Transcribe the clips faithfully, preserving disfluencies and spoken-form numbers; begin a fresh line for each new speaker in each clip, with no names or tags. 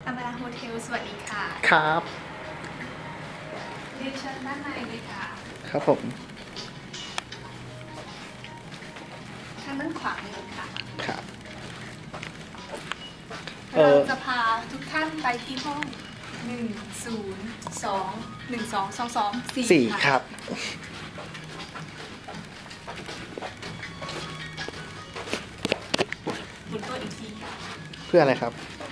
อมราโฮเทลสวัสดีค่ะ
ครับ
เรียนเชิญด้านในเลยค่ะ
ครับผม
ทางด้านขวาเลยค่ะ
ครับ
เราจะพาทุกท่านไปที่ห้องหนึ่งศูนย์สองหนึ่งสองสองสองสี่
สี่ครับ
หมุนตัวอีกทีค่ะ
เพื่ออะไรครับ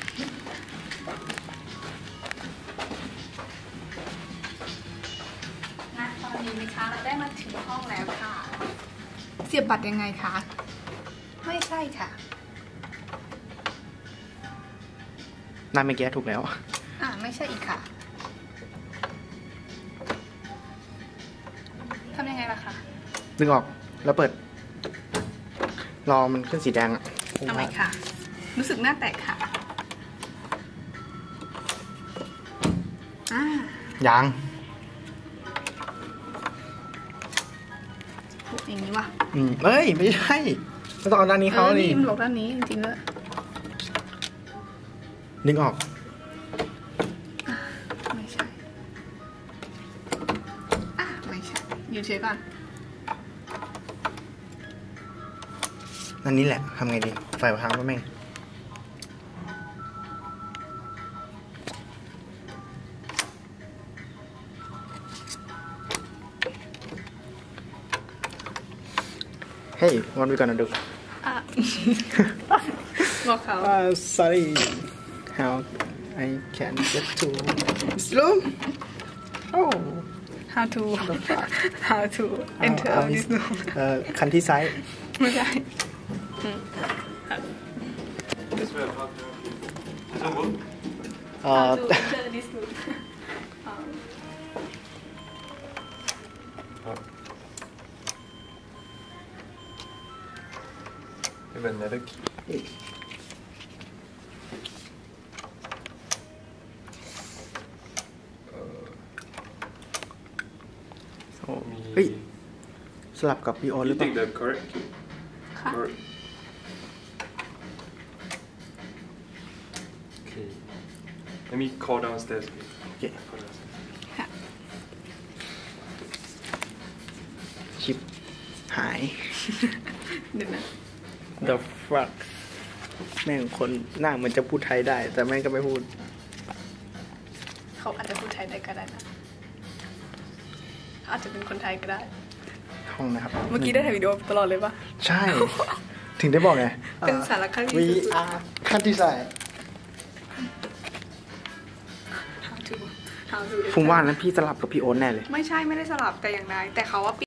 ณตอนนี้นะคะเราได้มาถึงห้องแล้วค่ะเสียบบัตรยังไงคะไม่ใช่ค่ะ
นั่นเมื่อกี้ถูกแล้ว
อ่าไม่ใช่อีกค่ะทำยังไงล่ะคะ
ดึงออกแล้วเปิดรอมันขึ้นสีแดงอ่ะ
ทำไมค่ะรู้สึกหน้าแตกค่ะอ่า
ยัง
อย่างนี้วะ
อืมเอ้ยไม่ใช่ต้องเอาด้านนี้เขาดิ
มันบอกด้านนี้จริงๆเลย
ดึงออก
ไม่ใช่อ่ะไม่ใช่อยู่เฉยก่อน
อันนี้แหละทำไงดีไฟพังก็แม่งเฮ้ย what we gonna do
อ่ะบอกเขา
uh, sorry how I can get to this room oh
how to how to enter this room
เอ่อคันที่ซ้าย
ไม่ใช่
เอ่อ
how to enter this room
another key.
โอ้เฮ้ยสลับกับพี่โอหรือเปล่า
You take the correct key.
ค่ะ
Correct. Okay. Let me call downstairs.
โอเค
Call downstairs.
ค่ะ
ชิปหาย
เดี๋ยวนะ
The fuck แม่งคนหน้าเหมือนจะพูดไทยได้แต่แม่งก็ไม่พูด
เขาอาจจะพูดไทยได้ก็ได้นะอาจจะเป็นคนไทยก็ได้
ห้องนะครับ
เมื่อกี้ได้ถ่ายวิดีโอตลอดเลยปะ
ใช่ถึงได้บอกไง
เป็นสารคดี
We are ขั้นที่ใส่
how to how to
ผมว่านั้นพี่สลับกับพี่โอ๊ตแน่เลย
ไม่ใช่ไม่ได้สลับแต่อย่างใดแต่เขาว่า